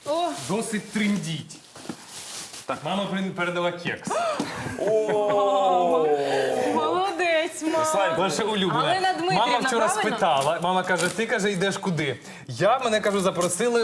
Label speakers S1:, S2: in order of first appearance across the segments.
S1: Досить триндіть. Так, мама передала кекс.
S2: Молодець, мама.
S1: Наша улюблена.
S2: Галина Дмитрівна,
S1: Мама вчора
S2: правильно?
S1: спитала, мама каже, ти, каже, йдеш куди? Мене, кажу, запросили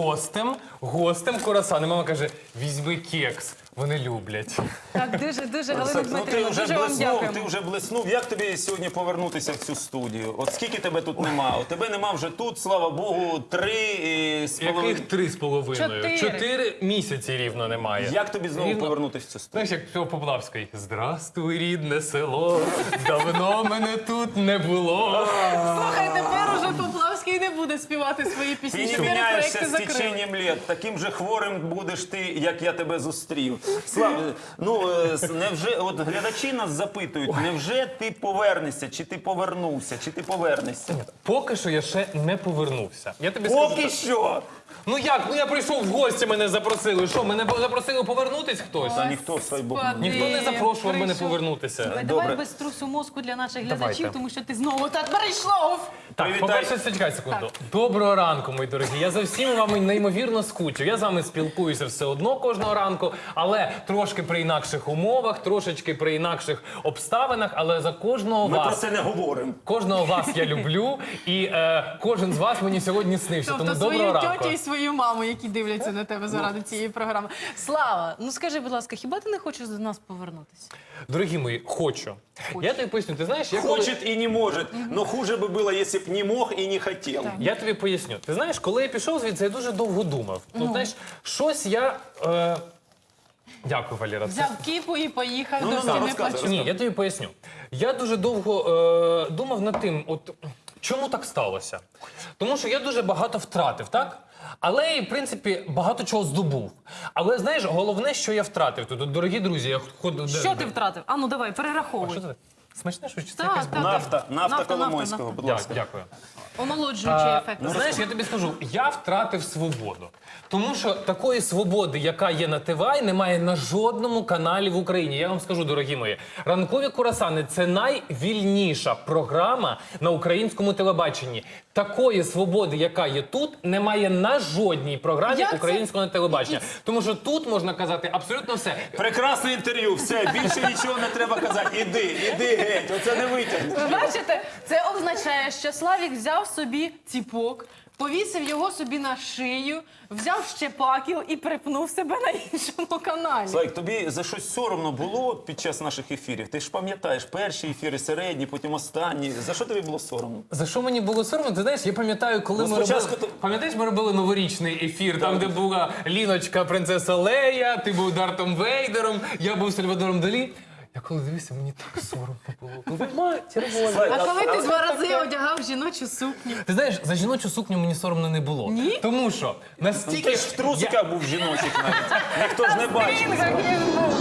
S1: гостем курасан. І мама каже, візьми кекс, вони люблять.
S2: Так, дуже, Галина
S3: Ну,
S2: Дмитрівна, дуже вам
S3: ти
S2: дякуємо.
S3: вже блиснув. Як тобі сьогодні повернутися в цю студію? От скільки тебе тут нема? От тебе нема вже тут, слава Богу, 3,5.
S1: Яких 3,5? 4 місяці рівно немає.
S3: Як тобі знову повернутися в цю студію?
S1: Знаєш, як цього Поплавський. Здравствуй, рідне село, давно мене тут не було.
S2: Слухай, тепер уже Поплавський не буде співати свої пісні.
S3: Ти не
S2: 4
S3: міняєшся
S2: проекти
S3: з
S2: закрили.
S3: теченням літ. Таким же хворим будеш ти, як я тебе зустрів. Слава, невже, от глядачі нас запитують, невже ти повернешся, чи ти повернувся, чи ти повернешся?
S1: Поки що я ще не повернувся. Я тобі
S3: Поки
S1: скажу.
S3: що!
S1: Ну як? Ну я прийшов в гості, мене запросили. Що, мене запросили повернутись хтось?
S3: Та ніхто, свій Бог.
S1: Ніхто не запрошував мене
S2: Прийшов.
S1: повернутися.
S2: Давай
S3: Добре.
S2: без трусу мозку для наших
S1: Давайте.
S2: глядачів, тому що ти знову так перейшов.
S1: Так,
S3: Привітай.
S1: по-перше, чекай секунду. Доброго ранку, мої дорогі. Я за всіма вами неймовірно скучив. Я з вами спілкуюся все одно кожного ранку, але трошки при інакших умовах, трошечки при інакших обставинах, але за кожного
S3: Ми про
S1: вас.
S3: це не говоримо.
S1: Кожного вас я люблю, і кожен з вас мені сьогодні снився.
S2: Тобто
S1: Тому
S2: свою
S1: доброго ранку.
S2: тьотю і свою маму, які дивляться на тебе заради цієї програми. Слава, ну скажи, будь ласка, хіба ти не хочеш до нас повернутися?
S1: Дорогі мої, хочу. Я тобі поясню, ти знаєш, я коли...
S3: Хочет и не может, но хуже бы было, если б не мог и не хотел.
S1: Я тобі поясню. Ти знаєш, коли я пішов звідси, я дуже довго думав. Ну, знаєш, щось я... Дякую, Валера.
S2: Взяв кіпу і поїхав
S3: Ну,
S2: до
S3: так,
S2: всі не
S3: розказуй.
S2: плачу.
S1: Ні, я тобі поясню. Я дуже довго думав над тим, от чому так сталося. Тому що я дуже багато втратив, так? Але, в принципі, багато чого здобув. Але, знаєш, головне, що я втратив тут. От, дорогі друзі, я ходжу...
S2: Що ти втратив? А ну давай,
S1: А
S2: перераховуй.
S1: що це? Смачне щось? Чи це
S2: Так,
S1: якась
S2: так.
S3: Нафта
S2: Нафта,
S3: Коломойського,
S2: нафта.
S3: будь ласка.
S1: Дякую.
S2: Омолоджуючий ефект.
S1: Знаєш, я тобі скажу, я втратив свободу. Тому що такої свободи, яка є на ТВА, немає на жодному каналі в Україні. Я вам скажу, дорогі мої, «Ранкові курасани» – це найвільніша програма на українському телебаченні. Такої свободи, яка є тут, немає на жодній програмі
S2: Як це?
S1: українського телебачення. Тому що тут можна казати абсолютно все.
S3: Прекрасне інтерв'ю, все, більше нічого не треба казати. Іди геть, оце не витягнеш.
S2: Ви бачите, це означає, що Славік взяв собі ціпок, повісив його собі на шию, взяв ще пакіл і припнув себе на іншому каналі.
S3: Слайк, тобі за щось соромно було під час наших ефірів? Ти ж пам'ятаєш, перші ефіри, середні, потім останні. За що тобі було соромно?
S1: За що мені було соромно? Ти знаєш, я пам'ятаю, коли
S3: Ну,
S1: ми
S3: спочатку
S1: робили...
S3: то-
S1: Пам'ятаєш, ми робили новорічний ефір, там, де була Ліночка, принцеса Лея, ти був Дартом Вейдером, я був Сальвадором Далі. Я коли дивився, мені так соромно було. Ви матір Божа.
S3: Слайк,
S2: А коли ти 2 рази одягав жіночу сукню?
S1: Ти знаєш, за жіночу сукню мені соромно не було.
S2: Ні?
S1: Тому що настільки...
S3: ти ж в трусиках був жіночих навіть. Ніхто ж не бачив.
S2: Він як він був.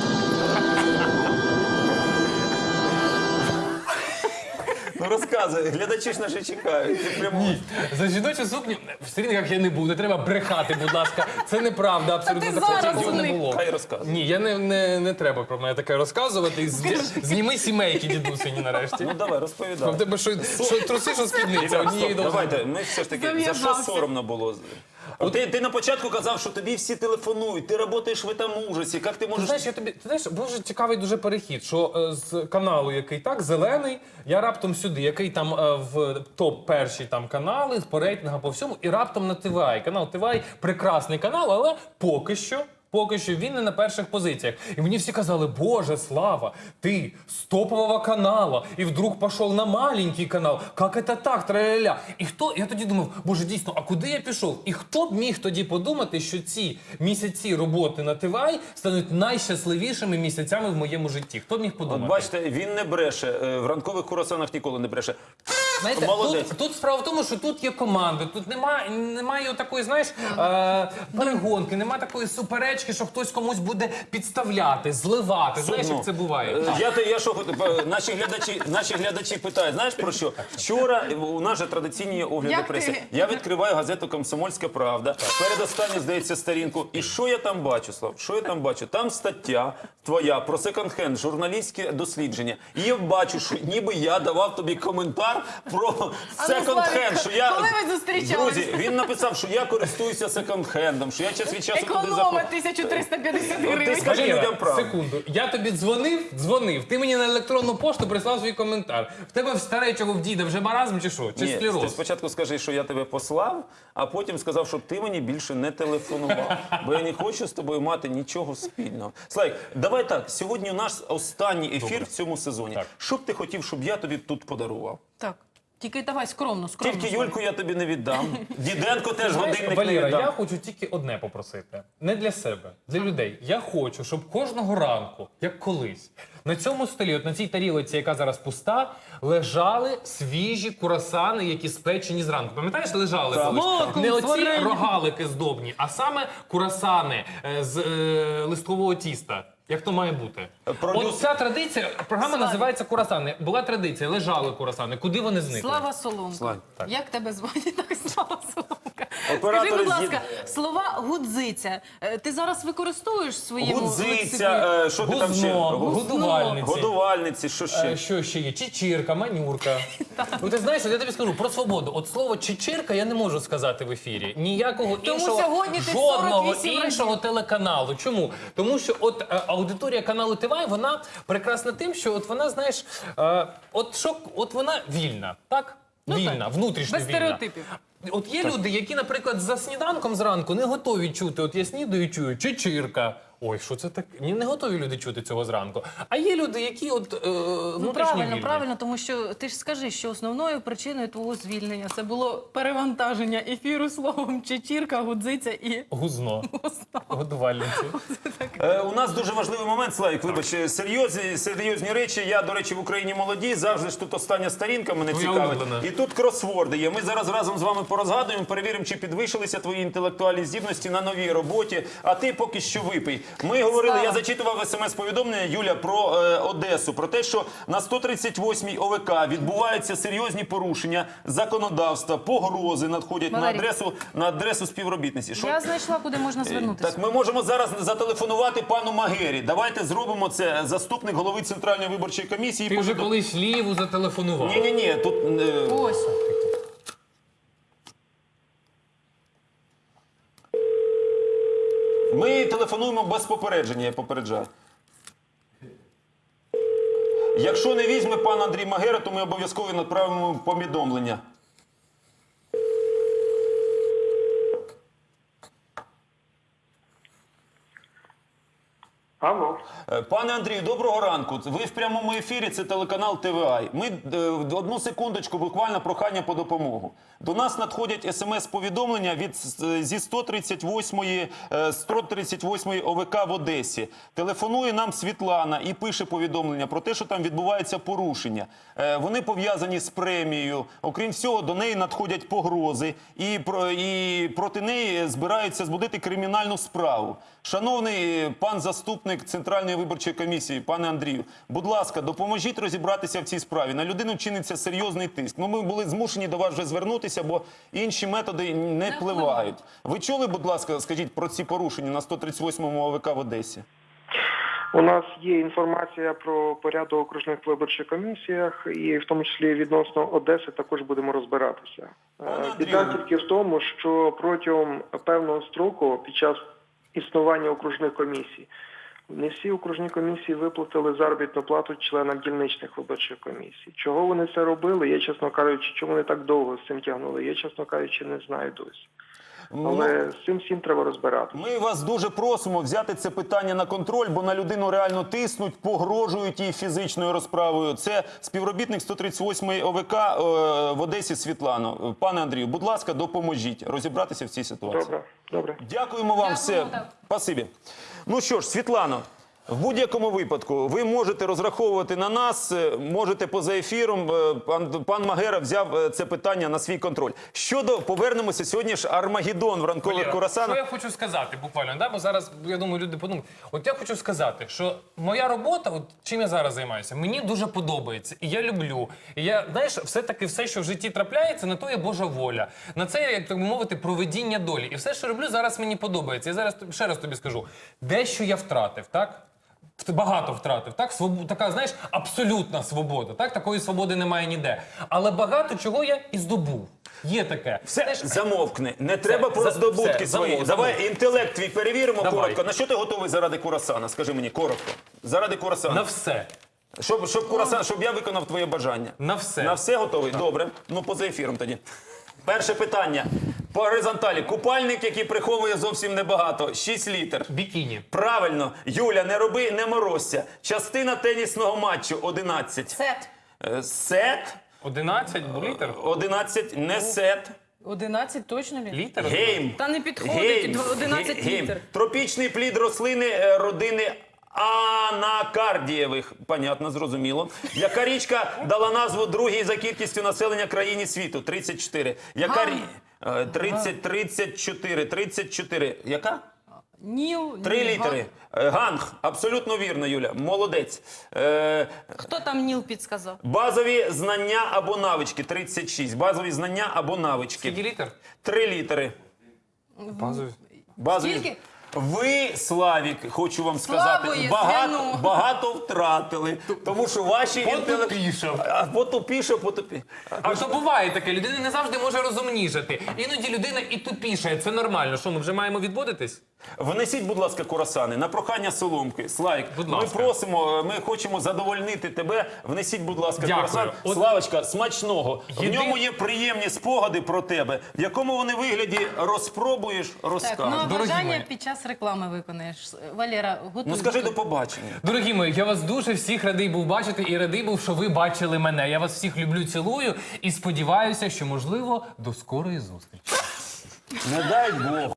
S3: Ну розказуй, глядачі ж наші чекають. Ти прямо...
S1: За жіночу сукню в стрінгах я не був, не треба брехати, будь ласка. Це неправда, абсолютно
S2: Та ти
S1: такого
S2: зараз
S1: нічого
S2: у
S1: не
S2: них.
S1: було.
S3: Хай розказуй.
S1: Ні, я не треба про мене таке розказувати. Зніми сімейки, дідусині, нарешті.
S3: Ну давай,
S1: В
S3: розповідай.
S1: тебе що труси, що спідниця,
S3: Ребят,
S1: однієї
S3: стоп,
S1: довжини.
S3: давайте, ми все ж таки, за що
S2: Зав'язався.
S3: соромно було? Ти на початку казав, що тобі всі телефонують, ти працюєш в цьому ужасі, як ти
S1: Ти
S3: можеш...
S1: знаєш, ти знаєш, дуже цікавий дуже перехід, що з каналу, який так, зелений, я раптом сюди, який там в топ-перші там канали, по рейтингам, по всьому, і раптом на ТВА. Канал ТВА прекрасний канал, але поки що він не на перших позиціях. І мені всі казали, боже, Слава, ти з топового канала, і вдруг пішов на маленький канал. Як це так, траля-ля? І хто, я тоді думав, боже, дійсно, а куди я пішов? І хто б міг тоді подумати, що ці місяці роботи на ТВА стануть найщасливішими місяцями в моєму житті? Хто б міг
S3: От
S1: подумати?
S3: бачите, він не бреше, в ранкових курасанах ніколи не бреше.
S1: Знаєте,
S3: Молодець.
S1: тут справа в тому, що тут є команда, тут немає такої, знаєш, перегонки, немає такої суперечки, що хтось комусь буде підставляти, зливати. Знаєш, як це буває?
S3: Я що хотів, наші глядачі питають, знаєш про що? Вчора у нас же традиційні огляди
S2: Як
S3: преси.
S2: ти?
S3: Я відкриваю газету «Комсомольська правда», передостанню, здається, сторінку. І що я там бачу, Слав? Що я там бачу? Там стаття твоя про секонд-хенд, журналістське дослідження. І я бачу, що ніби я давав тобі коментар про
S2: А ну,
S3: секонд-хенд. Що я...
S2: коли ви зустрічалися?
S3: Друзі, він написав, що я користуюся секонд-хендом, що я час від часу туди
S2: Економа
S3: заходжу.
S2: 1350
S3: Ти
S2: гривень.
S3: скажи
S1: Валера,
S3: людям правду.
S1: секунду. Я тобі дзвонив, ти мені на електронну пошту прислав свій коментар. В тебе в старечого в діда вже маразм чи що? Чи
S3: Ні, ти
S1: склероз?
S3: спочатку скажи, що я тебе послав, а потім сказав, щоб ти мені більше не телефонував. Бо я не хочу з тобою мати нічого спільного. Слайк, давай так, сьогодні у нас останній ефір в цьому сезоні.
S1: Так.
S3: Що б ти хотів, щоб я тобі тут подарував?
S2: Так, тільки давай скромно.
S3: Тільки Юльку я тобі не віддам. Діденко теж
S1: Знаєш,
S3: годинник не
S1: Валера, я
S3: віддам.
S1: хочу тільки одне попросити. Не для себе, для людей. Я хочу, щоб кожного ранку, як колись, на цьому столі, от на цій тарілці, яка зараз пуста, лежали свіжі курасани, які спечені зранку. Пам'ятаєш, лежали колись?
S2: Маком,
S1: Не оці
S2: варенням.
S1: рогалики здобні, а саме курасани з листкового тіста. Як то має бути?
S3: Продюсер-
S1: От ця традиція, програма
S2: Слава.
S1: називається «Курасани». Була традиція, лежали курасани. Куди вони зникли?
S2: Слава Соломка.
S3: Слава.
S1: Так.
S2: Як тебе звати? Так, Слава Соломка.
S3: Оператор
S2: Скажи, будь
S3: з'їд-
S2: ласка, слова гудзиця. Ти зараз використовуєш в своєму лексиконі?
S3: Гудзиця, що ти там ще?
S1: Гузно, годувальниці.
S3: Годувальниці, що ще?
S1: Що ще є? Чечірка, манюрка. Ну ти знаєш, от я тобі скажу про свободу. От слово чечірка я не можу сказати в ефірі. Ніякого
S2: Тому
S1: іншого,
S2: сьогодні ти
S1: жодного
S2: 48
S1: іншого телеканалу. Чому? Тому що от аудиторія каналу ТВ, вона прекрасна тим, що от вона, знаєш, от вона вільна, так?
S2: Ну,
S1: Вільна,
S2: так.
S1: внутрішньо
S2: Без
S1: вільна.
S2: стереотипів.
S1: От є люди, які, наприклад, за сніданком зранку не готові чути, от я снідаю і чую, чечірка. Ой, що це таке? Ні, не готові люди чути цього зранку. А є люди, які от
S2: Ну,
S1: внутрішньо
S2: правильно,
S1: вільні.
S2: правильно, тому що ти ж скажи, що основною причиною твого звільнення це було перевантаження ефіру словом чечірка, гудзиця і
S1: Гузно. Годувальниці.
S3: У нас дуже важливий момент, Славік, вибач, серйозні речі. Я, до речі, в Україні молоді, завжди ж тут остання сторінка мене
S1: Твоя
S3: цікавить.
S1: улюблена.
S3: І тут кросворди є. Ми зараз разом з вами порозгадуємо, перевіримо, чи підвищилися твої інтелектуальні здібності на новій роботі, а ти поки що випий. Ми говорили,
S2: Слава.
S3: я зачитував смс-повідомлення, Юля, про Одесу, про те, що на 138-й ОВК відбуваються серйозні порушення законодавства, погрози надходять
S2: Валерій.
S3: на адресу співробітниці. Що
S2: я знайшла, куди можна звернутися.
S3: так, ми можемо зараз зателефонувати пану Магері. Давайте зробимо це. Заступник голови Центральної виборчої комісії.
S1: Ти вже колись Ліву зателефонував.
S3: Ні, тут...
S2: Ось.
S3: Ми телефонуємо без попередження, я попереджаю. Якщо не візьме пан Андрій Магера, то ми обов'язково направимо повідомлення.
S4: Алло.
S3: Пане Андрію, доброго ранку. Ви в прямому ефірі, це телеканал ТВА. Ми одну секундочку, буквально прохання по допомогу. До нас надходять смс-повідомлення зі 138-ї ОВК в Одесі. Телефонує нам Світлана і пише повідомлення про те, що там відбувається порушення. Вони пов'язані з премією. Окрім всього, до неї надходять погрози і проти неї збираються збудити кримінальну справу. Шановний пан заступник Центральної виборчої комісії, пане Андрію, будь ласка, допоможіть розібратися в цій справі. На людину чиниться серйозний тиск. Ми були змушені до вас вже звернутися, бо інші методи не впливають. Ви чули, будь ласка, скажіть про ці порушення на 138-му ОВК в Одесі?
S4: У нас є інформація про порядок окружних виборчих комісіях, і в тому числі відносно Одеси також будемо розбиратися. Біда
S3: Андрію.
S4: тільки в тому, що протягом певного строку під час існування окружних комісій не всі окружні комісії виплатили заробітну плату членам дільничних виборчих комісій. Чого вони це робили? Я, чесно кажучи, чому вони так довго з цим тягнули? Я, чесно кажучи, не знаю досі. Але з цим всім треба розбиратися.
S3: Ми вас дуже просимо взяти це питання на контроль, бо на людину реально тиснуть, погрожують їй фізичною розправою. Це співробітник 138-ї ОВК в Одесі Світлано. Пане Андрію, будь ласка, допоможіть розібратися в цій ситуації.
S4: Добре, добре.
S3: Дякуємо вам все.
S2: так.
S3: Спасибі. Ну що ж, Світлано, в будь-якому випадку ви можете розраховувати на нас, можете поза ефіром. Пан Магера взяв це питання на свій контроль. Повернемося, сьогодні ж Армагеддон в ранкових
S1: Валера,
S3: курасанах.
S1: що я хочу сказати буквально, да? Бо зараз, я думаю, люди подумають. От я хочу сказати, що моя робота, от чим я зараз займаюся, мені дуже подобається. І я люблю. І я, знаєш, все-таки все, що в житті трапляється, на то є Божа воля. На це, як так би мовити, провидіння долі. І все, що роблю, зараз мені подобається. Я зараз ще раз тобі скажу. Дещо я втратив, так? багато втратив. Так? Така, знаєш, абсолютна свобода. Так? Такої свободи немає ніде. Але багато чого я і здобув. Є таке.
S3: Все, замовкни. Не треба про здобутки
S1: все,
S3: свої.
S1: замов.
S3: Давай інтелект твій перевіримо
S1: Давай.
S3: коротко. На що ти готовий заради курасана? Скажи мені коротко. Заради курасана.
S1: На все.
S3: Щоб я виконав твоє бажання.
S1: На все.
S3: На все готовий? Добре. Ну, поза ефіром тоді. Перше питання. По горизонталі. Купальник, який приховує зовсім небагато. 6 літр.
S1: Бікіні.
S3: Правильно. Юля, не роби, не морозься. Частина тенісного матчу 11.
S2: Сет.
S3: Сет.
S1: 11 літр.
S3: 11. Не сет.
S2: 11 точно ли?
S1: Літр?
S3: Гейм.
S2: Та не підходить 11
S3: Гейм.
S2: літр.
S3: Тропічний плід рослини родини анакардієвих. Понятно, зрозуміло. Яка річка дала назву другій за кількістю населення країні світу? 34. Яка 34. Яка?
S2: Ніл.
S3: 3 літери. Ганг. Абсолютно вірно, Юля. Молодець.
S2: Хто там Ніл підсказав?
S3: Базові знання або навички. 36. Базові знання або навички.
S1: Скільки літр?
S3: 3 літери.
S1: Базові.
S3: Базові.
S2: Скільки?
S3: Ви, Славік, хочу вам сказати,
S2: Слабої,
S3: багато,
S2: звіну.
S3: багато втратили, тому що ваші
S1: Потупішав.
S3: Потупіше.
S1: А то буває таке, людина не завжди може розумнішати. Іноді людина і тупішає, це нормально. Що, ми вже маємо відводитись?
S3: Внесіть, будь ласка, курасани на прохання Соломки. Славік,
S1: Будь
S3: ми
S1: ласка.
S3: просимо, ми хочемо задовольнити тебе. Внесіть, будь ласка,
S1: Дякую.
S3: курасан.
S1: От-
S3: Славочка, смачного. В
S1: Єди-
S3: ньому є приємні спогади про тебе. В якому вони вигляді розпробуєш,
S2: Так, ну
S3: розкажеш.
S2: а
S1: Дорогі
S2: бажання
S1: мої.
S2: під час реклами виконаєш. Валера, готуй.
S3: Ну скажи
S2: готуй.
S3: до побачення.
S1: Дорогі мої, я вас дуже всіх радий був бачити і радий був, що ви бачили мене. Я вас всіх люблю, цілую і сподіваюся, що, можливо, до скорої зустрічі.
S3: Не дай Бог.